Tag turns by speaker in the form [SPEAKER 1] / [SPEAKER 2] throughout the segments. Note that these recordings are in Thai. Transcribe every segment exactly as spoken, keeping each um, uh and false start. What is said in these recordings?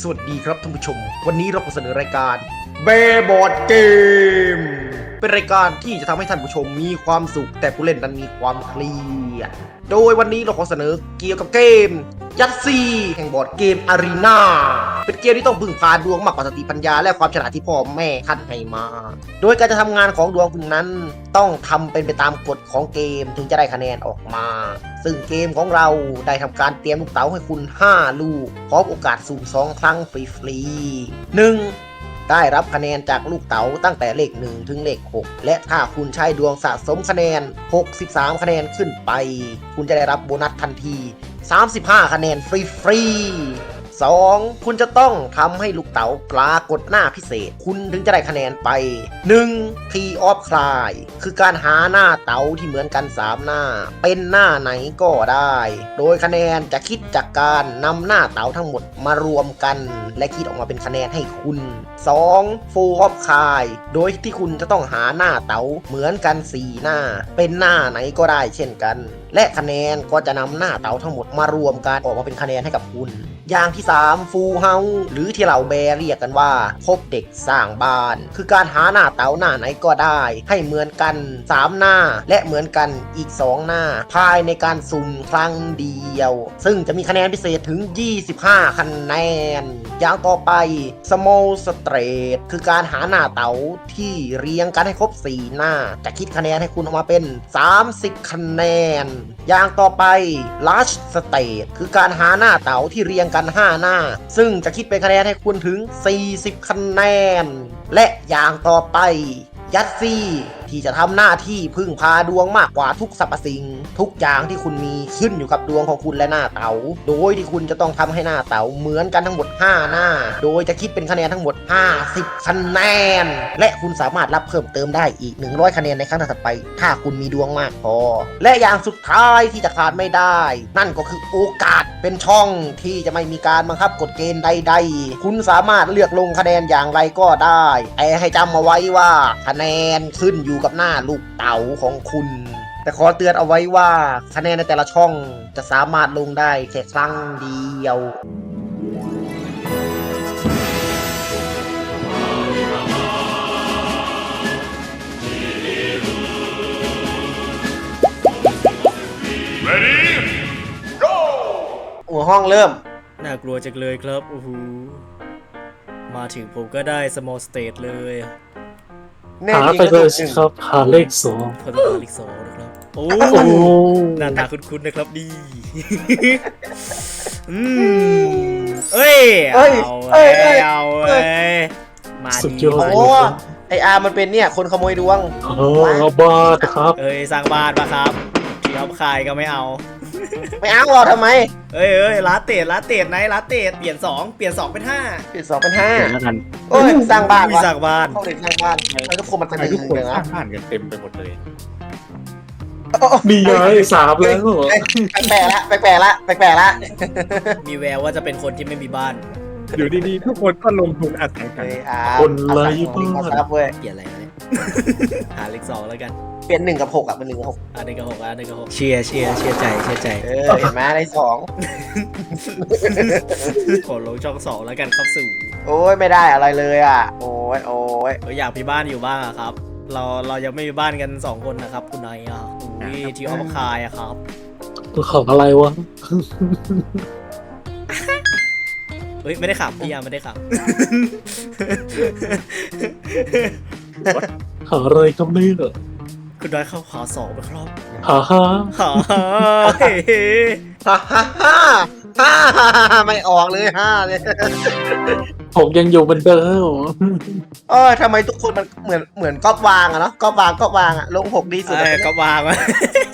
[SPEAKER 1] สวัสดีครับท่านผู้ชมวันนี้เราขอเสนอรายการเบบอร์ดเกมเป็นรายการที่จะทำให้ท่านผู้ชมมีความสุขแต่ผู้เล่นนั้นมีความเครียดโดยวันนี้เราขอเสนอเกี่ยวกับเกมยัตซีแห่งบอร์ดเกมอารีนาเป็นเกมที่ต้องพึ่งพาดวงมากกว่าสติปัญญาและความฉลาดที่พ่อแม่คัดให้มาโดยการจะทำงานของดวงคุณนั้นต้องทำเป็นไปตามกฎของเกมถึงจะได้คะแนนออกมาซึ่งเกมของเราได้ทำการเตรียมลูกเต๋าให้คุณห้าลูกพร้อมโอกาสสุ่มสองครั้งฟรีๆ หนึ่งได้รับคะแนนจากลูกเต๋าตั้งแต่เลขหนึ่งถึงเลขหกและถ้าคุณใช้ดวงสะสมคะแนนหกสิบสามคะแนนขึ้นไปคุณจะได้รับโบนัสทันทีสามสิบห้าคะแนนฟรีๆ สอง คุณจะต้องทำให้ลูกเต๋าปรากฏหน้าพิเศษคุณถึงจะได้คะแนนไป หนึ่ง Tree of Cry คือการหาหน้าเต๋าที่เหมือนกันสามหน้าเป็นหน้าไหนก็ได้โดยคะแนนจะคิดจากการนำหน้าเต๋าทั้งหมดมารวมกันและคิดออกมาเป็นคะแนนให้คุณ สอง Four of Cry โดยที่คุณจะต้องหาหน้าเต๋าเหมือนกันสี่หน้าเป็นหน้าไหนก็ได้เช่นกันและคะแนนก็จะนำหน้าเต๋าทั้งหมดมารวมกันออกมาเป็นคะแนนให้กับคุณอย่างที่ สาม ฟูลเฮาส์หรือที่เราแบเรียกกันว่าพบเด็กสร้างบ้านคือการหาหน้าเต๋าหน้าไหนก็ได้ให้เหมือนกันสามหน้าและเหมือนกันอีกสองหน้าภายในการสุ่มครั้งเดียวซึ่งจะมีคะแนนพิเศษถึงยี่สิบห้าคะแนนอย่างต่อไป Small Straight คือการหาหน้าเต๋าที่เรียงกันให้ครบสี่หน้าจะคิดคะแนนให้คุณออกมาเป็นสามสิบคะแนนอย่างต่อไป Large State คือการหาหน้าเต๋าที่เรียงกันห้าหน้าซึ่งจะคิดเป็นคะแนนให้คุณถึงสี่สิบคะแนนและอย่างต่อไปยัตซี่ที่จะทำหน้าที่พึ่งพาดวงมากกว่าทุกสรรพสิ่งทุกอย่างที่คุณมีขึ้นอยู่กับดวงของคุณและหน้าเต๋าโดยที่คุณจะต้องทำให้หน้าเต๋าเหมือนกันทั้งหมดห้าหน้าโดยจะคิดเป็นคะแนนทั้งหมดห้าสิบคะแนนและคุณสามารถรับเพิ่มเติมได้อีกหนึ่งร้อยคะแนนในครั้งถัดไปถ้าคุณมีดวงมากพอและอย่างสุดท้ายที่จะขาดไม่ได้นั่นก็คือโอกาสเป็นช่องที่จะไม่มีการบังคับกฎเกณฑ์ใดๆคุณสามารถเลือกลงคะแนนอย่างไรก็ได้แต่ให้จำเอาไว้ว่าคะแนนขึ้นอยู่กับหน้าลูกเต๋าของคุณแต่ขอเตือนเอาไว้ว่าคะแนนในแต่ละช่องจะสามารถลงได้แค่ครั้งเดียว Ready Go หัวห้องเริ่ม
[SPEAKER 2] น่ากลัวจังเลยครับโอ้โหมาถึงผมก็ได้ small state เลย
[SPEAKER 3] หาไปเลยสิครับหาเลขสอง
[SPEAKER 2] พอต้องหาเลขสองนะครับโอ้หน้าตาคุ้นๆนะครับดีอืมเอ้ยเอาเอ้ยเอาเอ้ยมาดีโอ้
[SPEAKER 1] ไออาร์มันเป็นเนี่ยคนขโมยดวง
[SPEAKER 3] เออบ้าครับ
[SPEAKER 2] เอ้ยสร้างบ้านปะครับที่เอาขายก็ไม่เอา
[SPEAKER 1] ไม่เอาหรอทำไม
[SPEAKER 2] เอ้ยเอ้ยลาเตดลาเตดไหนลาเตดเปลี่ยนสองเปลี่ยนสองเป็นห้า
[SPEAKER 1] เปลี่ยนสองเป็นห้า
[SPEAKER 3] แล้วกัน
[SPEAKER 1] โอ้ยสร้างบ้าน
[SPEAKER 2] สร้างบ้าน
[SPEAKER 1] ห้องเด็กสร้างบ้านทำไมทุกคนมันเป็น
[SPEAKER 4] ทุกคนสร้างบ้านกันเต็มไปหมดเลย
[SPEAKER 3] มีไงสามแล้วเหรอ
[SPEAKER 1] แปลกละแปลกละแปลกละ
[SPEAKER 2] มีแววว่าจะเป็นคนที่ไม่มีบ้าน
[SPEAKER 4] อยู่ดีๆทุกคนก็ลงทุนอาศัยกัน
[SPEAKER 3] คนไร้
[SPEAKER 1] บ้านเ
[SPEAKER 2] ปลี่ยนอะไรเนี่ยหาเลขสองแล้วกัน
[SPEAKER 1] เปลี่ยนหนึ่งกับหกอ่ะเป็นหนึ่งกับหก
[SPEAKER 2] อันหนึ่งกับหกอันหนึ่งกับหกเชียร์เชียร์เชียร์ใจเชียร์ใจ
[SPEAKER 1] เออเห็นไหมได้สอง
[SPEAKER 2] ขอลงช่องสองแล้วกันครับสู่
[SPEAKER 1] โอ้ยไม่ได้อะไรเลยอ่ะโอ้ยโอ้ย
[SPEAKER 2] อยากมีบ้านอยู่บ้างอะครับเราเรายังไม่มีบ้านกันสองคนนะครับคุณนายอ่ะอุ้ยที่เอามาคายอะครับ
[SPEAKER 3] ของอะไรวะ
[SPEAKER 2] เฮ้ยไม่ได้ขับพี่ยาไม่ได้ขับ
[SPEAKER 3] หาอะไรก็ไม่เหรอ
[SPEAKER 2] คุณนายเข้าหาสองไปครับ
[SPEAKER 3] หาฮ่า
[SPEAKER 2] หาฮ่าเฮ้
[SPEAKER 1] ฮ่าฮ่าฮ่าฮ่าไม่ออกเลยฮ่าเลย
[SPEAKER 3] ผมยังอยู่เหมือนเดิม
[SPEAKER 1] เออทำไมทุกคนมันเหมือนเหมือนก๊อปวางอะเนาะก๊อปวางก๊อปวางอะลงหกดีสุด
[SPEAKER 2] ก๊อปวางอะ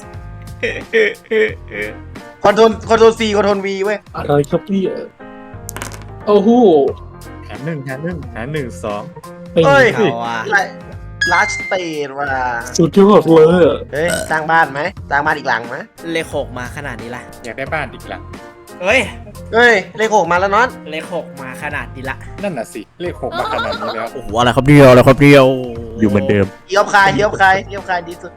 [SPEAKER 1] คอนโทรลคอนโทรลซีคอนโทรลวีเว้ย
[SPEAKER 3] อะไรครับพี่โอ้โห
[SPEAKER 4] หาหนึ่งหาหนึ่งหาหนึ่งสอง
[SPEAKER 1] เฮ้ยลาสเตนว่ะ
[SPEAKER 3] สุดยอดเลย
[SPEAKER 1] เฮ้ยสร้างบ้านไหมสร้างบ้านอีกหลังไหม
[SPEAKER 2] เลขหกมาขนาดนี้ละ
[SPEAKER 4] อยากได้บ้านอีกหลัง
[SPEAKER 2] เฮ้ย
[SPEAKER 1] เฮ้ยเลขหกมาแล้วน็อต
[SPEAKER 2] เลขหกมาขนาดนี้ละ
[SPEAKER 4] นั่นน่ะสิเลขหกมาขนาดนี้แล้ว
[SPEAKER 2] โอ้โหอะไรครับเดียวอะไรครับเดียว
[SPEAKER 4] อยู่เหมือนเดิม
[SPEAKER 1] เทียบใครเทียบใครเทียบใครดีสุด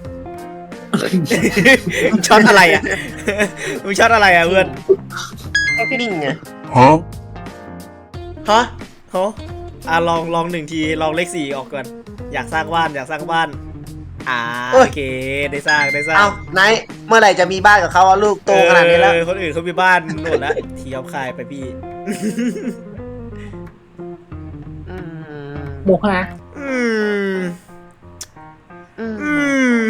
[SPEAKER 2] มึงช็อตอะไรอ่ะมึงช็อตอะไรอ่ะเพื่อน
[SPEAKER 1] นิ่งไง
[SPEAKER 4] ฮะ
[SPEAKER 1] ฮะ
[SPEAKER 2] โหอ่ะลองลองหนึ่งทีลองเลขสี่ออกก่อนอยากสร้างบ้านอยากสร้างบ้านอ่าโอเคได้สร้างได้สร้าง
[SPEAKER 1] เอาไหนเมื่อไหร่จะมีบ้านกับเขาอะลูกโตขนาดนี้แล้ว
[SPEAKER 2] เออคนอื่นเขามีบ้านหมดแล้วทีเอาคายไปพี่
[SPEAKER 1] อืม
[SPEAKER 3] โมฮะ
[SPEAKER 2] อืม
[SPEAKER 1] อืม
[SPEAKER 2] อืม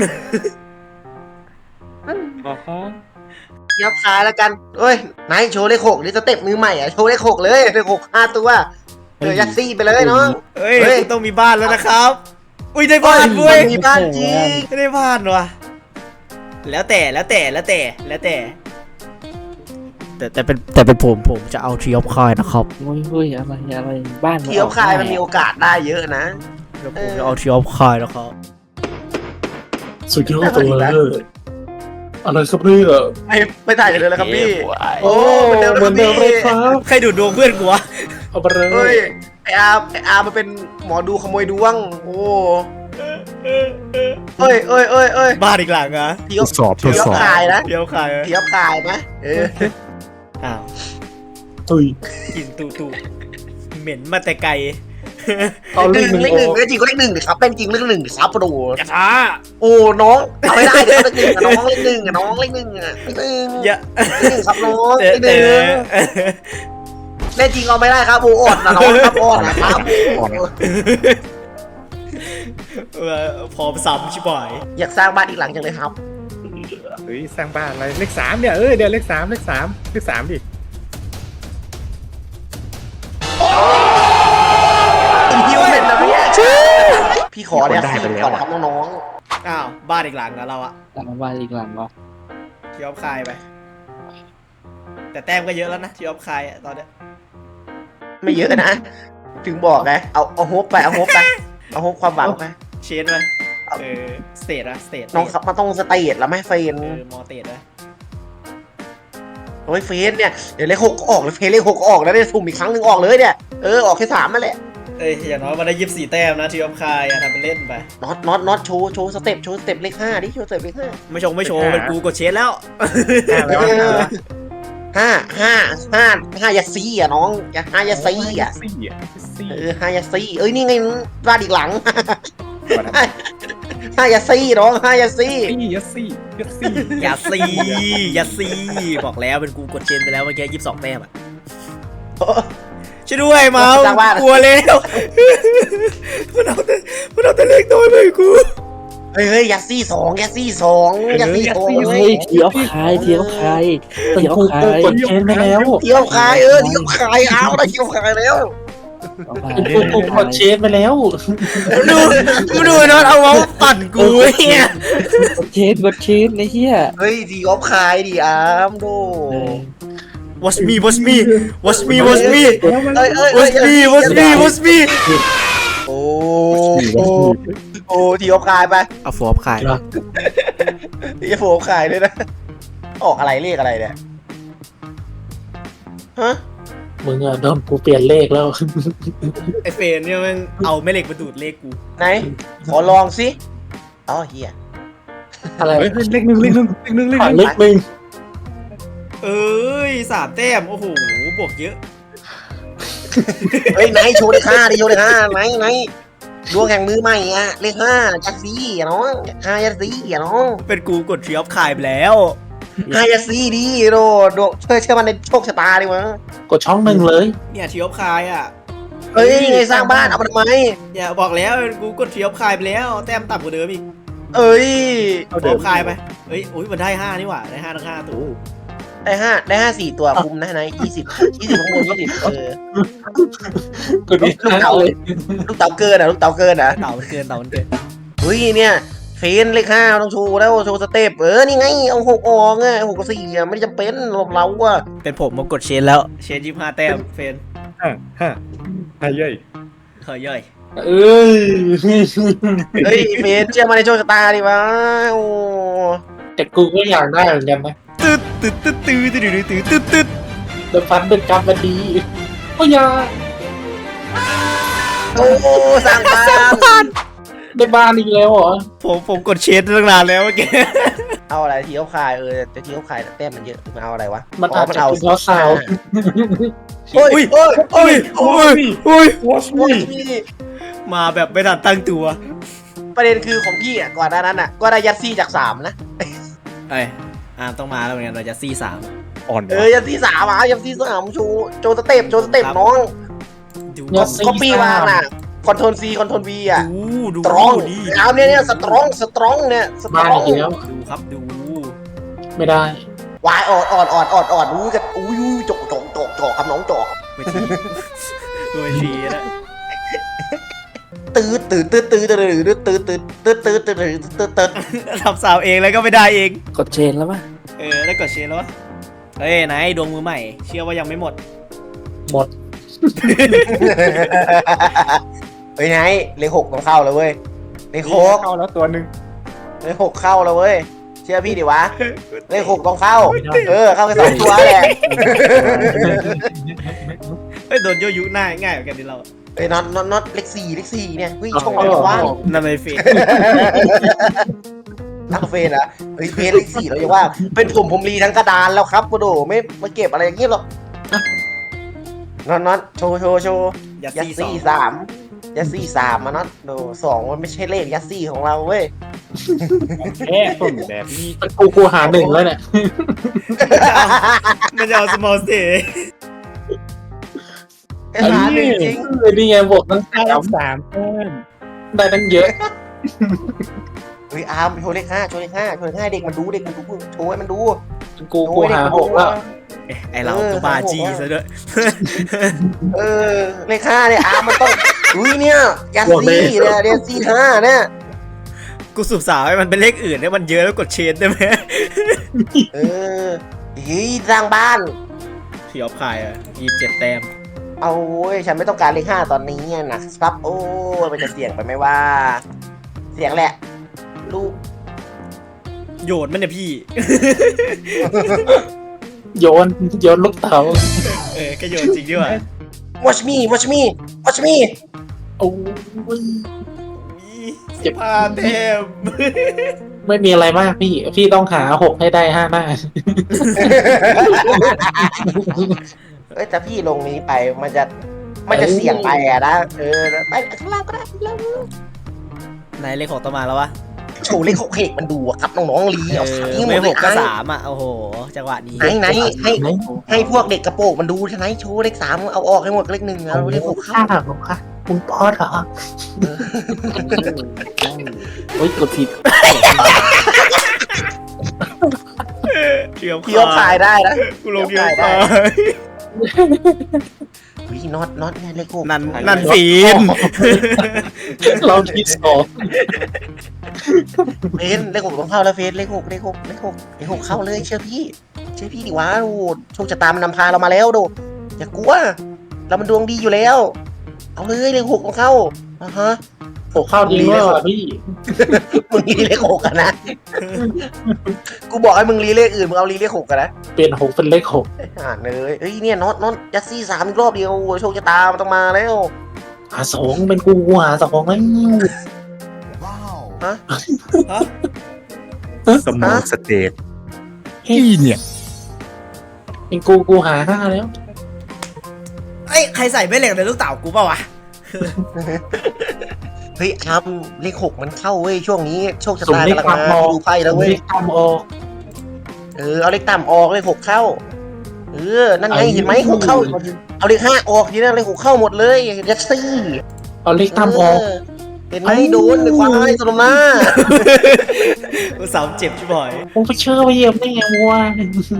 [SPEAKER 4] อ๋อฮะ
[SPEAKER 1] เดี๋ยวขายแล้วกันเอ้ยไหนโชว์เลขหกนี่สเต็ปมือใหม่อะโชว์เลขหกเลยเลขหกห้าตัวเออยัดซี่ไปเลยเนาะ
[SPEAKER 2] เฮ้ย
[SPEAKER 1] เฮ้ย
[SPEAKER 2] คุณต้องมีบ้านแล้วนะครับ อุ้ยได้
[SPEAKER 1] บ้า
[SPEAKER 2] บ้าน นเว้ย
[SPEAKER 1] มีบ้านจริง
[SPEAKER 2] ไม่ได้บ้านวะแล้วแต่แล้วแต่แล้วแต่แล้วแต่ แต่แต่เป็นแต่เป็นผมผมจะเอาทรีออฟคายนะครับ
[SPEAKER 3] โอ้ยเฮ้ยอะไรอะไรบ้าน
[SPEAKER 1] เที่ยวขายมันมีโอกาสได้เยอะนะ
[SPEAKER 2] เดี๋ยวผมจะเอาทรีออฟคายนะครับ
[SPEAKER 3] สุดยอดเลยอะไรครับเนี่ย
[SPEAKER 1] ไม่ไม่ถ่ายกันเลยแล้วครับพี่
[SPEAKER 3] โอ้เหมือนเดิมเลยครับ
[SPEAKER 2] ใครดูดดวงเพื่อนกูวะ
[SPEAKER 3] เอาไปเล
[SPEAKER 1] เฮ้
[SPEAKER 3] ย
[SPEAKER 1] ยไออาร์ไออาร์มันเป็นหมอดูขโมยดวงโอ้เอ้ยเอ้ยเอ้ยเอ้ย
[SPEAKER 2] บ้านอีกหลังอะ
[SPEAKER 1] เที่ยว
[SPEAKER 4] ทดสอบทด
[SPEAKER 1] เที่ยว
[SPEAKER 4] สอบ
[SPEAKER 1] ขายนะ
[SPEAKER 2] เดี๋ยวขายอะ
[SPEAKER 1] เที่ยวขายนะเออ
[SPEAKER 2] อ้าว
[SPEAKER 3] ตุย
[SPEAKER 2] กลินตูตูเหม็นมาแต่ไกล
[SPEAKER 3] เอา
[SPEAKER 1] เล
[SPEAKER 3] เล
[SPEAKER 1] ข
[SPEAKER 3] ข
[SPEAKER 1] ห
[SPEAKER 3] ห
[SPEAKER 1] นึ่
[SPEAKER 3] นึ่
[SPEAKER 1] ง
[SPEAKER 3] ง
[SPEAKER 1] เลขหนึ่งเลขจริงก็เลขหนึ่งดิครับเป็นจริงเลขหนึ่งดิครับโปร
[SPEAKER 2] กระทะ
[SPEAKER 1] โอ้น้องเอาไม่ได้เดี๋ยวเลขหนึ่งอะน้องเลขหนึ่งอะน้องเลขหนึ่งอะเลขหนึ่ง
[SPEAKER 2] เยอะ
[SPEAKER 1] เลขหนึ่งครับน้อง
[SPEAKER 2] แต่
[SPEAKER 1] เลขห
[SPEAKER 2] แต่
[SPEAKER 1] นึ่งเลขจริงเอาไม่ได้ครับโอ้อ่อนนะน้องครับอ่อนนะครับ
[SPEAKER 2] เออพร้อมซ้ำชิบหาย
[SPEAKER 1] อยากสร้างบ้านอีกหลังจังเลยครับ
[SPEAKER 4] เฮ้ยสร้างบ้านอะไรเลขสามเนี่ยเออเดี๋ยวเลขสามเลขสามเลขสามดิ
[SPEAKER 1] พี่ว่าเป็นนะพี่พี่ขอเนี่ยสี่ก่อนครับน้อง
[SPEAKER 2] อ้าวบ้านอีกหลังอะเราอะ
[SPEAKER 3] หลังบ้านอีกหลังเหรอ
[SPEAKER 2] ที่ออฟคายไป แต่แต้มก็เยอะแล้วนะที่ออฟคายอะตอนเนี้ย
[SPEAKER 1] ๆไม่เยอะนะ ถึงบอกไงเอาเอาโฮปไปเอาโฮปไปเอาโฮปความหวังไป
[SPEAKER 2] เชนไปเออสเตทอะสเตท
[SPEAKER 1] น้องครับมันต้องสเตทแล้วไม่เฟน
[SPEAKER 2] เออมอเตทนะ
[SPEAKER 1] โอ้ยเฟนเนี่ยเดี๋ยวเลขหกก็ออกเลยเฟนเลขหกก็ออกแล้วเนี่ยสุ่มอีกครั้งหนึ่งออกเลยเนี่ยเออออกแค่สามมาแหละ
[SPEAKER 2] เอ้ยอย่างน้อยมาได้ยี่สิบสี่แต้มนะที่ออฟคายอะทำเป็นเล่นไป
[SPEAKER 1] น็อตน็อตน็อตโชว์โชว์สเต็ปโชว์สเต็ปเลขห้าดิโชว์สเต็ปเลขห้า
[SPEAKER 2] ไม่ชงไม่โชว์เป็นกูกดเชนแล้ว
[SPEAKER 4] ห้าแล้วห้าแล้ว
[SPEAKER 1] ห้าห้าห้าห้ายาซีอ่ะน้องอย่าห้ายาซีอ่ะ
[SPEAKER 4] สี่อ่ะสี่
[SPEAKER 1] เออห้ายาซีเอ้ยนี่ไงบ้านอีกหลัง ห้ายาซีน้องห้ายาซี
[SPEAKER 4] สี่ยัดสี่ยัดสี่
[SPEAKER 2] อย่าซีอย่าซีบอกแล้วเป็นกูกดเชนไปแล้วเมื่อกี้ยี่สิบสองแต้มอะช่วยด้วยเมาส์กลัวแล้ว มันเอาแต่มันเอาแต่เลขน้อยไปกู
[SPEAKER 1] เฮ้ยเฮ้ยยาซีสองยาซีสองยาซีสอง
[SPEAKER 3] เฮ้ยเที่ยวคายเที่ยวคายเที่ยวคาย
[SPEAKER 4] กดเชนไปแล้ว
[SPEAKER 1] เที่ยวขายเออเที่ยวขายเอาได้เที่ยวขายแล้ว
[SPEAKER 3] กูกดเชนไปแล้ว
[SPEAKER 2] ดูดูดูนอนเอาเมาส์ปั่นกูเนี่ย
[SPEAKER 3] กดเชนกดเชนไอ้เหี้ย
[SPEAKER 1] เฮ้ยดีออฟขายดีอาร์มโด
[SPEAKER 2] watch me watch me watch me watch me
[SPEAKER 1] เอ้ยเอ้ย
[SPEAKER 2] watch me watch me watch me
[SPEAKER 1] โอ้โอ้โอ้ดีออฟขายไป
[SPEAKER 2] เอาฟอร์มขาย
[SPEAKER 1] ดีออฟขายเลยนะออกอะไรเลขอะไรเนี่ยฮะ
[SPEAKER 3] มึงอะโดนกูเปลี่ยนเลขแล้ว
[SPEAKER 2] ไอเฟนเนี่ยมันเอาแม่เหล็กมาดูดเลขกู
[SPEAKER 1] ไหนขอลองสิอ๋อเฮีย
[SPEAKER 3] อะไร
[SPEAKER 4] เฮ้ยเลขหนึ่งเลขหนึ่งเลขหนึ่งเลขห
[SPEAKER 3] ผ่าน
[SPEAKER 4] นึ่ง
[SPEAKER 3] เลขหนึ่ง
[SPEAKER 2] เอ้ยสามแต้มโอ้โหบวกเยอะ
[SPEAKER 1] เฮ้ยไหนโชว์เลขห้าดิโชว์เลขห้าไหนไหนดวงแห่งมือใหม่อะเลขห้ายัดซีอะน้องห้ายัดซีอะน้อง
[SPEAKER 2] เป็นกูกดทรีออฟคายไปแล้ว
[SPEAKER 1] ห้ายัดซีดีโดโดเชื่อเชื่อมันในโชคชะตาดิวะ
[SPEAKER 3] กดช่องหนึ่งเลย
[SPEAKER 2] เนี่ยทรีออฟคายอ่ะ
[SPEAKER 1] เฮ้ยไงสร้างบ้านเอาไปทำไม
[SPEAKER 2] อย่าบอกแล้วเป็นกูกดทรีออฟคายไปแล้วแต้มต่ำกว่าเดิมอีก
[SPEAKER 1] เอ้ย
[SPEAKER 2] เอาทรีออฟคายไปเฮ้ยอุ้ยมันได้ห้านี่หว่าได้ห้าทั้งห้าตัว
[SPEAKER 1] ได้ห้าได้ห้าสี่ตัวคุมนะนายยี่สิบยี่สิบข้างบนยี่สิบเออ
[SPEAKER 3] กดอีก
[SPEAKER 1] ลูกเต๋า
[SPEAKER 3] เลย
[SPEAKER 1] ลูกเต๋าเกินอ่ะลูกเต๋าเกินอ่ะ
[SPEAKER 2] เต่ามันเกินเต่ามันเกิน
[SPEAKER 1] เฮ้ยเนี่ยเฟนเลขห้าต้องโชว์แล้วโชว์สเต็ปเออนี่ไงเอาหกออกไงหกกับสี่อ่ะไม่จำเป็นหรอกเราอ่ะ
[SPEAKER 2] เป็นผมมากดเชนแล้วเชนยี่ห้าแต้มเฟน
[SPEAKER 4] ห้าห้าห้าเย้ย
[SPEAKER 2] เฮ้ยย่อย
[SPEAKER 3] เอ้ย
[SPEAKER 1] เฮ้ยเฟนเชื่อมาในโชคชะตาดิวะโอ้
[SPEAKER 3] แต่กูก็อยากได้เหมือนกันนะ
[SPEAKER 2] ตึ๊ดตึ๊ดตึ๊ดตึ๊ดตึ๊ดตึ๊ดตึ๊ดตึ๊ด
[SPEAKER 3] เดินฟันเป็นกรรมมันดีก็อยาก
[SPEAKER 1] โอ้สร้างบ้าน
[SPEAKER 3] ได้บ้านอีกแล้วเหรอ
[SPEAKER 2] ผมผมกดเชนตั้งนานแล้วเมื่อกี้
[SPEAKER 1] เอาอะไรทีเขาคายเออแต่ทีเขาคายแต้มมันเยอะมันเอาอะไรวะ
[SPEAKER 3] มัน
[SPEAKER 1] อ๋อ
[SPEAKER 3] อาจ
[SPEAKER 1] มัน
[SPEAKER 3] จะ
[SPEAKER 1] เอา
[SPEAKER 3] เป็นเพราะซาวด์
[SPEAKER 1] โอ้ยโอ้ยโอ้ย
[SPEAKER 2] โอ้ยโอ้ย
[SPEAKER 3] Watch
[SPEAKER 1] โอ้ย
[SPEAKER 3] me
[SPEAKER 2] มาแบบไม่ทันตั้งตัว
[SPEAKER 1] ประเด็นคือของพี่อ่ะก่อนหน้านั้นอ่ะก็ได้ยัดซี่จากสามนะ
[SPEAKER 2] เอ้ยอาร์มต้องมาแล้วเหมือนกันเราจะซีสาม
[SPEAKER 4] อ่อน
[SPEAKER 1] เออยัดซี่สามอ่ะยัดซี่สามชูโจสเต็ปโจสเต็ปน้อง
[SPEAKER 2] ดู
[SPEAKER 3] ยัดซี่
[SPEAKER 1] ก็ปีวางน่ะคอนโทรลซีคอนโทรลวีอ่ะ
[SPEAKER 2] ดูดู
[SPEAKER 1] สตรอง
[SPEAKER 2] ดี
[SPEAKER 1] เอาเนี่ยเนี่ยสตรองสตรองเนี่ยสต
[SPEAKER 3] บ้าร น
[SPEAKER 1] อง
[SPEAKER 3] อีกแล้ว
[SPEAKER 2] ดูครับดู
[SPEAKER 3] ไม่ได้
[SPEAKER 1] วายออดออดออดออดออดรู้กันอุ้ยจกจกจกจกครับน้องจก
[SPEAKER 2] ไม่ทีไม่ทีนะ
[SPEAKER 1] ตื้อตื้อตื้อตื้อตื้อตื้อตื้อตื้อตื้อตื้อตื้อตื้อตื้อ
[SPEAKER 2] ทำสาวเองแล้วก็ไม่ได้เอง
[SPEAKER 3] กดเชนแล้วป่ะ
[SPEAKER 2] เออแล้วกดเชนแล้ววะเฮ้ยไหนดวงมือใหม่ เชื่อว่ายังไม่หมด
[SPEAKER 3] หมด
[SPEAKER 1] เฮ้ยไงเลขหกต้องเข้าแล้วเว้ยเลขหก
[SPEAKER 4] เข้าแล้วตัวหนึ่ง
[SPEAKER 1] เลขหกเข้าแล้วเว้ยเชื่อพี่ดิวะเลขหกต้องเข้า เออเข้าไปสองตัวแหละ
[SPEAKER 2] เฮ้ยโดนโยยุง่ายง่ายเหมือนกันดิเรา
[SPEAKER 1] เอ้ยน็อตน็อตน็อตเลขสี่เลขสี่เนี่ยเฮ้ยช่องอะไรวะ
[SPEAKER 2] นั่นไม่เฟซ
[SPEAKER 1] ตั้งเฟนอะเฮ้ยเฟนเลขสี่เราจะว่า เป็นผมผมรีทั้งกระดานแล้วครับกูโดไม่มาเก็บอะไรอย่างงี้หรอกน็อตน็อตโชว์โชว์โชว์
[SPEAKER 2] ยัด
[SPEAKER 1] ยัด
[SPEAKER 2] ซีสอ
[SPEAKER 1] ซี่
[SPEAKER 2] ง
[SPEAKER 1] สามยัดซี่สามมาน็อตโดสองมันไม่ใช่เลขยัดซี่ของเราเว้ย
[SPEAKER 4] แค่ต้นแบบนี้
[SPEAKER 3] กูกูหาหนึ่งแล้วเนี่ย
[SPEAKER 2] มันจะเอา small stage
[SPEAKER 1] ไอ้หาหนึ่งจริง
[SPEAKER 3] เออนี่ไงบวกตั้ง
[SPEAKER 4] ได้
[SPEAKER 3] สาม
[SPEAKER 4] สามแต้ม
[SPEAKER 3] ได้ตั้งเยอะ
[SPEAKER 1] เฮ้ยอาร์มโชว์เลขห้าโชว์เลขห้าโชว์เลขห้าเด็กมันดูเด็กมันดูโชว์ให้มันดู
[SPEAKER 3] กู
[SPEAKER 1] โช
[SPEAKER 3] กู
[SPEAKER 1] ว์ให้เด็
[SPEAKER 3] หาก
[SPEAKER 1] มัน
[SPEAKER 3] ห
[SPEAKER 1] ดู
[SPEAKER 3] กแล้ว
[SPEAKER 2] ไอเราก็บาจีซะด้วย
[SPEAKER 1] เออเลขห้าเนี่ยอาร์มมันต้องอุ้ยเนี่ยยัดซี่เนี่ยยัดซี่ห้าเนี่ย
[SPEAKER 2] กูสูบสาวให้มันเป็นเลขอื่นให้มันเยอะแล้วกดเชนได้ไหม
[SPEAKER 1] เออเฮ้ยสร้างบ้าน
[SPEAKER 2] พี่ออฟคายอ่ะยี่สิบเจ็ดแต้ม
[SPEAKER 1] เอาโว้ยฉันไม่ต้องการเลขห้าตอนนี้นะครับโอ้ยมันจะเสี่ยงไปไหมว่า เสียงแหละ ลูก
[SPEAKER 2] โยนมันเนี่ยพี่
[SPEAKER 3] โยนโยนลูกเต๋า
[SPEAKER 2] เออก็โยนจริงด้วย
[SPEAKER 1] watch me watch me watch me
[SPEAKER 3] โอ้ย เจ็บ
[SPEAKER 2] พาเต็ม
[SPEAKER 3] ไม่มีอะไรมากพี่ พี่ต้องหาหกให้ได้ห้าหน้า
[SPEAKER 1] เอ้ยแต่พี่ลงนี้ไปมันจะมันจะเสี่ยงไปอะนะเออไปข้างล่างก็ได้ข้างล่าง
[SPEAKER 2] ไหนเลขหกต่อมาแล้ววะ
[SPEAKER 1] โชว์เลขหกเหกมันดูอะครับน้องๆลี
[SPEAKER 2] เอ
[SPEAKER 1] เอา
[SPEAKER 2] อ
[SPEAKER 1] ทิ้งหม
[SPEAKER 2] ไม่
[SPEAKER 1] ดเล
[SPEAKER 2] ห
[SPEAKER 1] ย
[SPEAKER 2] กก็
[SPEAKER 1] ไอ้
[SPEAKER 2] สามอ่ะ โอ้โห จังหวะนี้
[SPEAKER 1] ไหนไหนให้ให้พวกเด็กกระโปรงมันดูใช่ไหมโชว์เลขสามเอาออกให้หมดเลขหนึ่งเอาเลขหกเข้า
[SPEAKER 3] ข้าหรอคะคุณปอดเหรอโอ้ยกดผิด
[SPEAKER 2] เกี่ยว
[SPEAKER 1] พี่ก็ขายได้นะ
[SPEAKER 2] กูลงเกี่ยวขาย
[SPEAKER 1] วิน็อตน็อตเนี่ยเลขหก
[SPEAKER 2] นั่นนั่นฟีน
[SPEAKER 3] เราที่สอง
[SPEAKER 1] เฟนเลขหกต้องเข้าแล้วเฟนเลขหกเลขหกเลขหกเลขหกเข้าเลยเชื่อพี่เชื่อพี่ดิวะโอ้โชคชะตามันนำพาเรามาแล้วโดอย่ากลัวเรามันดวงดีอยู่แล้ว เอาเลยเลขหกต้องเข้าอ่าฮะ
[SPEAKER 3] หกเข้าจริงด้วยว่ะพี่
[SPEAKER 1] มึงรีเลขหกกันนะกูบอกให้มึงรีเลขอื่นมึงเอารีเลขหกกันนะ
[SPEAKER 3] เปลี่ยนหกเป็นเลขหก
[SPEAKER 1] อ่านเลยเอ้ยเนี่ยน็อตน็อตยัดซี่สามอีกรอบเดียวโอ้โชคชะตามันต้องมาแล้ว
[SPEAKER 3] หาสองเป็นกูหาสองแล้ว
[SPEAKER 1] ฮะ
[SPEAKER 2] ฮะ
[SPEAKER 4] สมองสเตทที่เนี่ย
[SPEAKER 3] เป็นกูกูหาห้าแล้ว
[SPEAKER 2] เอ้ย ใครใส่ไม่เหล็กในลูกเต๋ากูเปล่าวะ
[SPEAKER 1] เฮ้ยครับเลขหกมันเข้าเว้ยช่วงนี้โชคชะ
[SPEAKER 3] สุ่ม
[SPEAKER 1] ตา
[SPEAKER 3] เลข
[SPEAKER 1] กำลัง
[SPEAKER 3] ต่ำอ
[SPEAKER 1] มา
[SPEAKER 3] อก
[SPEAKER 1] ดูไพ่แล้วเว้ย
[SPEAKER 3] เลขต่ำออก
[SPEAKER 1] เออเอาเลขต่ำออกเลขหกเข้าเออนั่นไงเห็นไหมหกเข้าเอาเลขห้าออกทีนั้นเลขหกเข้าหมดเลยยัดซี่
[SPEAKER 3] เอาเลขต่ำออก
[SPEAKER 1] เเห็นไหมโดนในความให้สมน้า
[SPEAKER 2] กูสาวเจ็บชิบหาย
[SPEAKER 3] ผมไปเชื่อไปเหยียบได้ไงวะ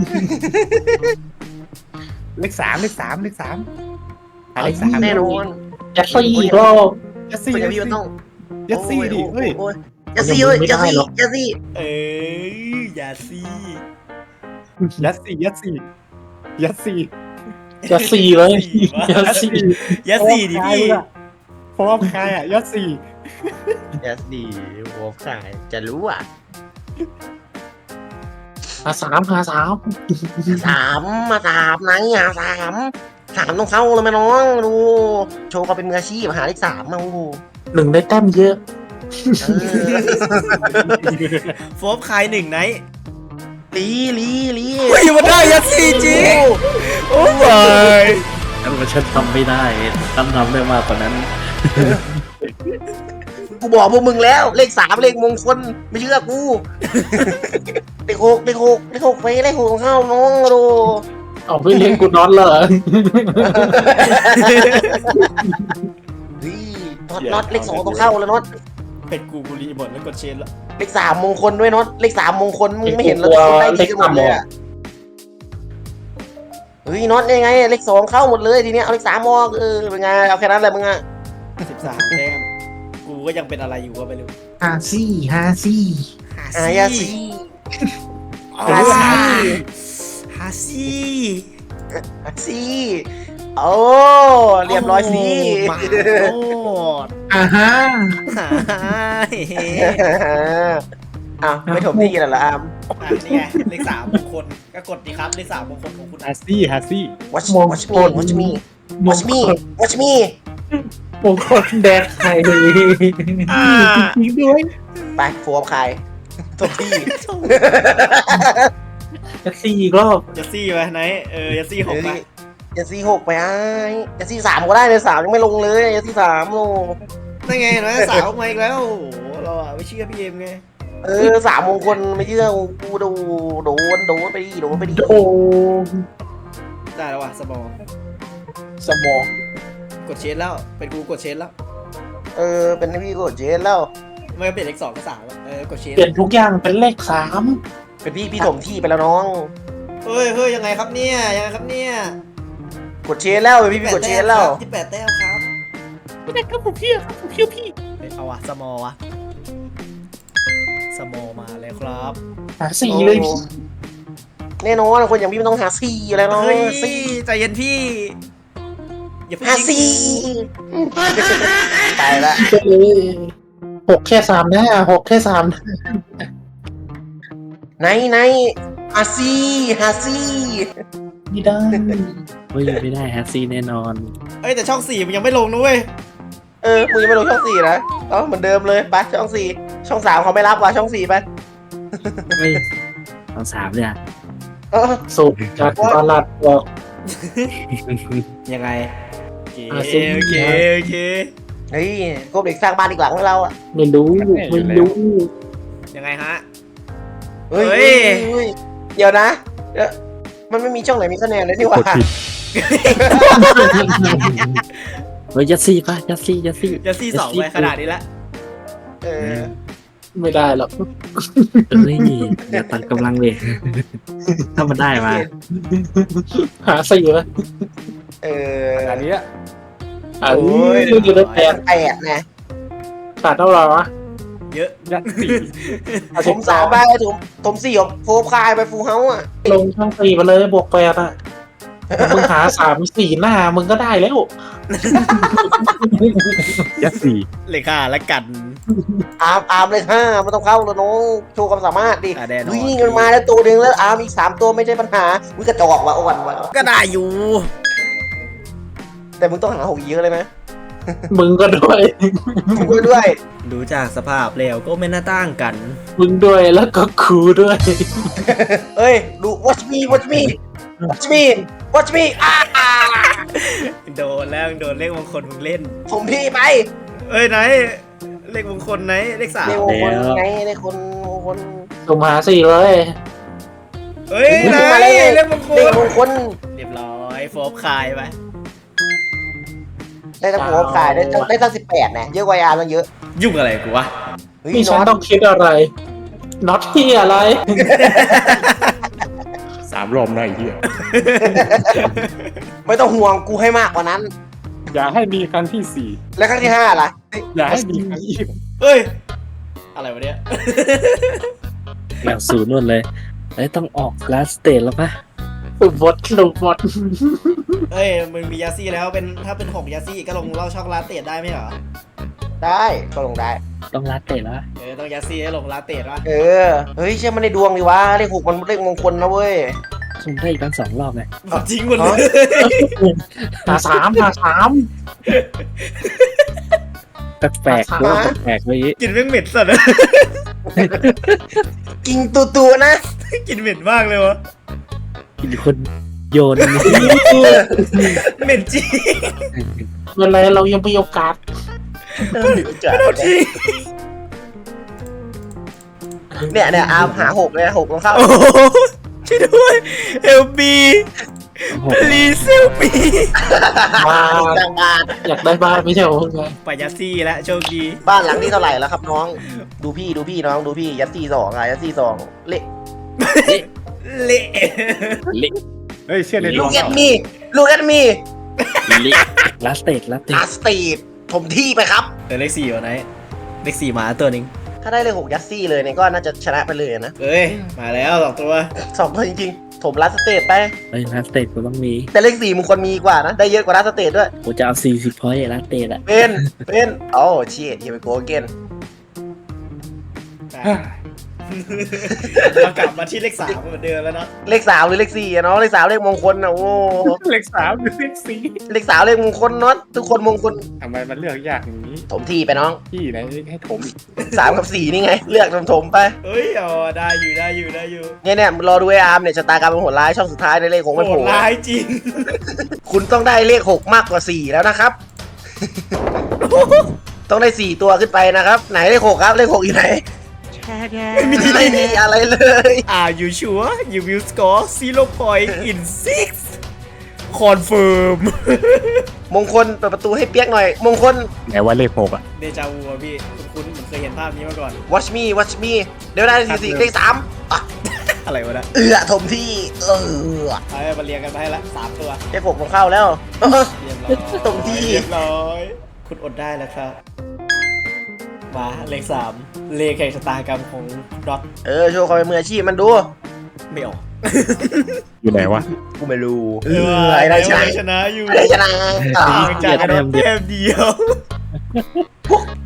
[SPEAKER 4] เลขสามเลขสามเลขสามหาเลขสาม
[SPEAKER 1] แน่นอน
[SPEAKER 3] ยัดซี่อีกรอบ
[SPEAKER 4] ยัดซี่
[SPEAKER 1] มัน
[SPEAKER 4] ยั
[SPEAKER 1] จะ
[SPEAKER 4] ด
[SPEAKER 1] มี
[SPEAKER 4] ซี่
[SPEAKER 1] มันต้อง
[SPEAKER 4] ยัดซี่ดิเฮ้ย
[SPEAKER 1] โอ้ยยัดซี่เฮ้ยยัดซี่ยัดซี่
[SPEAKER 2] เอ้ยอย่าซี่
[SPEAKER 4] ยัดซี่ยัดซี่ยัดซี่
[SPEAKER 3] ยัดซี่เลยยัดซี่
[SPEAKER 2] อย่าซี่ดิพี่
[SPEAKER 4] เพราะว่าใครอ่ะยัดซี่
[SPEAKER 1] ยัดซี่โอ้ขายจะรู้อ่ะ
[SPEAKER 3] หาสามหาสาม
[SPEAKER 1] สามมาสามไหนอ่ะสามสามต้องเข้าเลยไหมน้องดูโชว์เขาเป็นมืออาชีพหาเลขสามมาโอ้โห
[SPEAKER 3] หนึ่งได้แต้มเยอะ
[SPEAKER 1] เออ
[SPEAKER 2] โฟบคายหนึ่งไนท์
[SPEAKER 1] ลีลีลี
[SPEAKER 2] เฮ้ยมันได้ยัดซี่จริงโอ้ย
[SPEAKER 3] แล้วมันฉันทำไม่ได้ฉันทำได้มากกว่านั้น
[SPEAKER 1] กูบอกพวกมึงแล้วเลขสามเลขมงคลไม่เชื่อกู เลขหกเลขหกเลขหกไปเลขหกของเข้าน้องดู
[SPEAKER 3] เอาไปเลี้ยงกูน็อตเลย
[SPEAKER 1] เฮ้ยน็อตน็อตเลขสองต้องเข้าแล้วน็อต
[SPEAKER 2] เป็นกูกูรีหมดแล้วกดเชนแล้ว
[SPEAKER 1] เลขสามมงคลด้วยน็อตเลขสามมงคลมึงไม่เห็นแล้วทุกคนได้ดีกันหมดเลยอะเฮ้ยน็อตยังไงเลขสองเข้าหมดเลยทีเนี้ยเอาเลขสามมอกเออเป็นไงเอาแค่นั้นแหละมึงอะ
[SPEAKER 2] สิบสามแต้มกูก็ยังเป็นอะไรอยู่ก็ไม่รู้
[SPEAKER 3] ฮาซี่ฮาซี่
[SPEAKER 1] อายาซี
[SPEAKER 2] ฮาซี่ฮาซี่
[SPEAKER 1] อาซีโอ้เรียบร้อยสิ
[SPEAKER 2] มาโอ้
[SPEAKER 3] อ่าฮะ
[SPEAKER 1] อ้าวไม่ถมที่แล้วล่ะอาม
[SPEAKER 2] อ่ะนี่ไงเลขสามมงคลก็กดดีครับเลขสามมงคลของคุณ
[SPEAKER 4] ฮาซี่ฮาซี่
[SPEAKER 1] watch watch me watch me watch me watch me
[SPEAKER 3] มงคลแดกไทยเลยจริงด้วย
[SPEAKER 1] ไปโฟมใครถมที่
[SPEAKER 3] จะซี่อีกรอบ
[SPEAKER 2] ยัดซี่ไปไหนเออยัดซี่หกไป
[SPEAKER 1] อย่าซีหกไปไอ้อย่าซีสามก็ได้เลยสามยังไม่ลงเลยอย่าซีสามโล
[SPEAKER 2] นั่นไงนะสาวมาอีกแล้วโอ้โหเราอะไม่เชื่อพี่เอ็มไง
[SPEAKER 1] เออสามมงคลไม่เชื่อกูดูโดนโดนไปดิโดนไปดิ
[SPEAKER 3] โอ้
[SPEAKER 2] ได้แล้วว่ะสมอง
[SPEAKER 3] สมอง
[SPEAKER 2] กดเชนแล้วเป็นกูกดเชนแล้ว
[SPEAKER 1] เออเป็นพี่กดเจนแล้ว
[SPEAKER 2] ไม่เปลี่ยนเลขสองก็สามแล้วเออกดเชน
[SPEAKER 3] เปลี่ยนทุกอย่างเป็นเลขสาม
[SPEAKER 1] เป็นพี่พี่ถมที่ไปแล้วน้อง
[SPEAKER 2] เฮ้ยเฮ้ยยังไงครับเนี่ยยังไงครับเนี่ย
[SPEAKER 1] กดเชนแล้วเป็นพี่พี่กดเชนแล้ว
[SPEAKER 2] ที่แปดแต้มครับ
[SPEAKER 3] ไม่ได้ครับผมพี่ครับผมพี่พี่
[SPEAKER 2] เฮ้ยเอาวะสมอวะสมอมาเลยครับ
[SPEAKER 3] หาสี่เลยพี่
[SPEAKER 1] แน่นอนคนอย่างพี่มันต้องหาซีอะไรเนาะ
[SPEAKER 2] เฮ้ย
[SPEAKER 1] ซี
[SPEAKER 2] ใจเย็นพี่อย่าเพิ่ง
[SPEAKER 1] หา
[SPEAKER 2] ยิง
[SPEAKER 1] ซี ไปละ
[SPEAKER 3] ไปเลยหกแค่สามนะหกแค่สามนะ
[SPEAKER 1] ไหนไหนหาซีหาซี
[SPEAKER 3] ไม่ได้
[SPEAKER 5] เฮ้ยไม่ได้แฮตซี่แน่นอน
[SPEAKER 2] เอ้ยแต่ช่องสี่มันยังไม่ลงนะเว้ย
[SPEAKER 1] เออมึงยังไม่ลงช่องสี่นะเอ๋อเหมือนเดิมเลยไปช่องสี่ช่องสามเขาไม่รับว่ะช่องสี่ไป
[SPEAKER 5] เฮ้ยตอนสามเนี่ย
[SPEAKER 1] เออ
[SPEAKER 3] สุดจัดตลาดบอก
[SPEAKER 2] ยังไงโอเค
[SPEAKER 3] อ่ะสิ
[SPEAKER 2] โอเคโอเค
[SPEAKER 1] เฮ้ยกบเด็กสร้างบ้านอีกหลังให้เราอ่ะ
[SPEAKER 3] ไม่รู้ไม่รู้
[SPEAKER 2] ยังไงฮะ
[SPEAKER 1] เฮ้ย
[SPEAKER 2] เฮ้ย
[SPEAKER 1] เฮ้ยเดี๋ยวนะเดี๋ยวมันไม่มีช่องไหนมีคะแนนเลยนี่หว่า
[SPEAKER 5] เฮ้ยยัดซี่ปะยัดซี่ยัดซี่
[SPEAKER 2] จะซี่สองไปขนาดนี้ละ
[SPEAKER 1] เออ
[SPEAKER 3] ไม่ได้หรอก
[SPEAKER 5] เอ้ยอย่าตัดกำลังเลยถ้ามันได้มา
[SPEAKER 3] หาสี่ไหม
[SPEAKER 1] เออ
[SPEAKER 4] อันนี้
[SPEAKER 3] อ่าเรื่องอยู่ในแปด
[SPEAKER 1] แปดไง
[SPEAKER 3] ขาดเท่าไหร่วะ
[SPEAKER 2] เยอะ
[SPEAKER 4] ยัดสี่
[SPEAKER 1] ผมสามไปผมผมสี่ของโฟมคายไปฟูเฮาส์อ่ะ
[SPEAKER 3] ลงช่องสี่มาเลยบวกแปดอ่ะมึงหาสามสี่หน้ามึงก็ได้แล้ว
[SPEAKER 5] ยัดซี่
[SPEAKER 2] เลยค่ะและกัน
[SPEAKER 1] อาร์มอาร์มเลยห้าไม่ต้องเข้าแล้วน้องโชว์ความสามารถดิ
[SPEAKER 2] อ่ะแน่นอน
[SPEAKER 1] วิ่งกันมาแล้วตัวหนึ่งแล้วอาร์มอีกสามตัวไม่ใช่ปัญหาวิ่งกระจอกว่ะอ่อนว่ะ
[SPEAKER 2] ก็ได้อยู่
[SPEAKER 1] แต่มึงต้องหาหกเยอะเลยนะ
[SPEAKER 3] มึงก็ด้วย
[SPEAKER 1] มึงด้วย
[SPEAKER 2] ดูจากสภาพแล้วก็ไม่น่าต่างกัน
[SPEAKER 3] มึงด้วยแล้วก็ครูด้วย
[SPEAKER 1] เอ้ยดู watch me watch me watch me watch me อ่า
[SPEAKER 2] โดนแล้วโดนเลขมงคลมึงเล่น
[SPEAKER 1] ผมพี่ไป
[SPEAKER 2] เอ้ยไหนเลขมงคลไหนเลขสาม
[SPEAKER 1] ในวงคนไงในคนคน
[SPEAKER 3] สุ่มหาสี่เลย
[SPEAKER 2] เอ้ยไหน
[SPEAKER 1] มาเลย
[SPEAKER 2] เลขมงค
[SPEAKER 1] ใน
[SPEAKER 2] ล
[SPEAKER 1] วงคน
[SPEAKER 2] เรียบร้อยโฟบคายไป
[SPEAKER 1] ได้ตั้งหัวขายได้ตั้งได้ตั้งสิบแปดนะเยอะกว่าอาร์มตั้งเยอะ
[SPEAKER 2] ยุ่งอะไรกูวะ
[SPEAKER 1] เฮ้ย
[SPEAKER 3] นี่ฉัน
[SPEAKER 1] น็อต
[SPEAKER 3] ต้องคิดอะไรน็อตที่อะไร
[SPEAKER 4] สามรอบหน่อยเฮีย
[SPEAKER 1] ไม่ต้องห่วงกูให้มากกว่านั้น
[SPEAKER 4] อย่าให้มีครั้งที่สี่
[SPEAKER 1] แล้วครั้งที่ห้าล่ะ
[SPEAKER 4] อย่าให้มีครั้งที่
[SPEAKER 2] เฮ้ยอะไรวะเนี่ย
[SPEAKER 5] แล้วศูนย์นู่นเลยเอ้ยต้องออกลาสเตทแล้วปะ
[SPEAKER 3] สุ่มบดสุ่มบด
[SPEAKER 2] เอ้ยมึงมียาซี่แล้วเป็นถ้าเป็นหกยาซี่ก็ลงเล่าช็อกโกแลตเตดได้ไหมเหรอ
[SPEAKER 1] ได้ก็ลงได้
[SPEAKER 5] ต้องลาสเตทแล้ว
[SPEAKER 2] เออต้องยาซี่ให้ลงลาเตดวะ
[SPEAKER 1] เออเฮ้ยเชื่อมันในดวงดิวะเลขหกมันเลขมงคลนะเว้ย
[SPEAKER 5] สุ่มได้อีกตั้งสองรอบเลย
[SPEAKER 2] จริงหมดเลย
[SPEAKER 3] หาสามหาสาม
[SPEAKER 5] แปลกๆว่าแปลกๆเมื่อกี้
[SPEAKER 2] กลินแม่งเหม็นสัตว์อะ
[SPEAKER 1] กินตัวตัวๆนะ
[SPEAKER 2] กินเหม็นมากเลยวะ
[SPEAKER 5] กินคนโยน
[SPEAKER 2] เหม็นจริง
[SPEAKER 3] เวลาเรายังมีโอกาส
[SPEAKER 1] เออจัด
[SPEAKER 2] เอาจริง
[SPEAKER 1] เนี่ยเนี่ยอาร์มหาหกเลยหกลงเข้า
[SPEAKER 2] โอ้โหช่วยด้วยเฮลปีรีเซลปี
[SPEAKER 3] บ้าน
[SPEAKER 1] จังบ้าน
[SPEAKER 3] อยากได้บ้านไม่ใช่เหรอไง
[SPEAKER 2] ปายาซี่และโชคดี
[SPEAKER 1] บ้านหลังที่เท่าไหร่แล้วครับน้อง ดูพี่ดูพี่น้องดูพี่ยัดซี่สองอะยัดซี่สองเละ
[SPEAKER 2] เละ
[SPEAKER 5] ลิ
[SPEAKER 4] เฮ้ยเชื่อใน
[SPEAKER 1] ลู
[SPEAKER 4] ดว
[SPEAKER 1] ก
[SPEAKER 4] ง
[SPEAKER 1] แอดมีลูกแอดมี
[SPEAKER 5] ลิลาสเตดลาสเตด
[SPEAKER 1] อาสตีดถมที่ไปครับ
[SPEAKER 2] เออเลขสี่วะไหนเลขสี่หมาตัวหนึง
[SPEAKER 1] ถ้าได้เลขหกยัดซี่เลยเนี่ยก็น่าจะชนะไปเลยนะ
[SPEAKER 2] เอ้ยมาแล้วสองตัว
[SPEAKER 1] สองตัวจริงๆ ถมลัสเตทไป
[SPEAKER 5] เอ้ยลาสเตดกูต้องมี
[SPEAKER 1] แต่เลขสี่มึงควรมีกว่านะ ได้เยอะกว่าลัสเตทด้วย
[SPEAKER 5] กูจะเอาสี่สิบพอยต์ลาสเตดอะ
[SPEAKER 1] เป็น เป็นโอ้เชียเฮียไปโกเกน
[SPEAKER 2] เรากลับมาที่เลขสามเหมือนเดิมแล้วเนาะ
[SPEAKER 1] เลขสามหรือเลขสี่อะเนาะเลขสามเลขมงคลนะโอ้
[SPEAKER 4] เลขสามหรือเลขสี่
[SPEAKER 1] เลขสามเลขมงคลเนาะทุกคนมงคล
[SPEAKER 4] ทำไมมันเลือกยากอย่างนี้
[SPEAKER 1] ถมที่ไปน้อง
[SPEAKER 4] พี่ไหนให้ถม
[SPEAKER 1] สามกับสี่นี่ไง เลือกถมถมๆไป
[SPEAKER 2] เอ้ยอ๋อได้อยู่ได้อยู่ได้อยู่
[SPEAKER 1] เนี่ยเนี่ยรอดูไออาร์มเนี่ยชะตากรรมเป็นโหดร้ายช่องสุดท้ายในเลขหกมัน
[SPEAKER 2] โห
[SPEAKER 1] โผ
[SPEAKER 2] ด
[SPEAKER 1] ล่
[SPEAKER 2] ร้ายจริง
[SPEAKER 1] คุณต้องได้เลขหกมากกว่าสี่แล้วนะครับ ต้องได้สี่ตัวขึ้นไปนะครับ ไหนเลขหกครับเลขหกอยู่ไหนไม่มีอะไรเลย
[SPEAKER 2] Are you sure you will score zero point in six confirm
[SPEAKER 1] มงคลเปิดประตูให้เปียกหน่อย มงคล
[SPEAKER 4] ไหนว่าเลขหกอ่ะ
[SPEAKER 2] เดจาวูอะพี่คุณคุณเหมือนเคยเห็นภาพนี้มาก่อน
[SPEAKER 1] watch me watch me เดี๋ยวได้สี่สี่เลขสามอ่ะ
[SPEAKER 2] อะไรวะนะ
[SPEAKER 1] เอือถมที่ เออ
[SPEAKER 2] เอาไปมาเรียงกันไปให้ละสามตัว
[SPEAKER 1] เลขหกผมเข้าแล้วเออ
[SPEAKER 2] เรียบร้อย
[SPEAKER 1] ตรงที่
[SPEAKER 2] เรียบร้อยคุณอดได้แล้วครับมาเลขสามเลขแห่งชะตากรรมของดอท
[SPEAKER 1] เออโชว์ความเป็นมืออาชีพมันดู
[SPEAKER 2] ไม่ออก
[SPEAKER 4] อยู่ไหนวะ
[SPEAKER 1] กูไม่รู้เอ
[SPEAKER 2] เอ
[SPEAKER 1] อไอ้ได้ชนะ
[SPEAKER 2] ชนะอยู่
[SPEAKER 1] ไอ้ได้ชนะอ่ะ
[SPEAKER 2] ห่างจากกันแต้มเดียว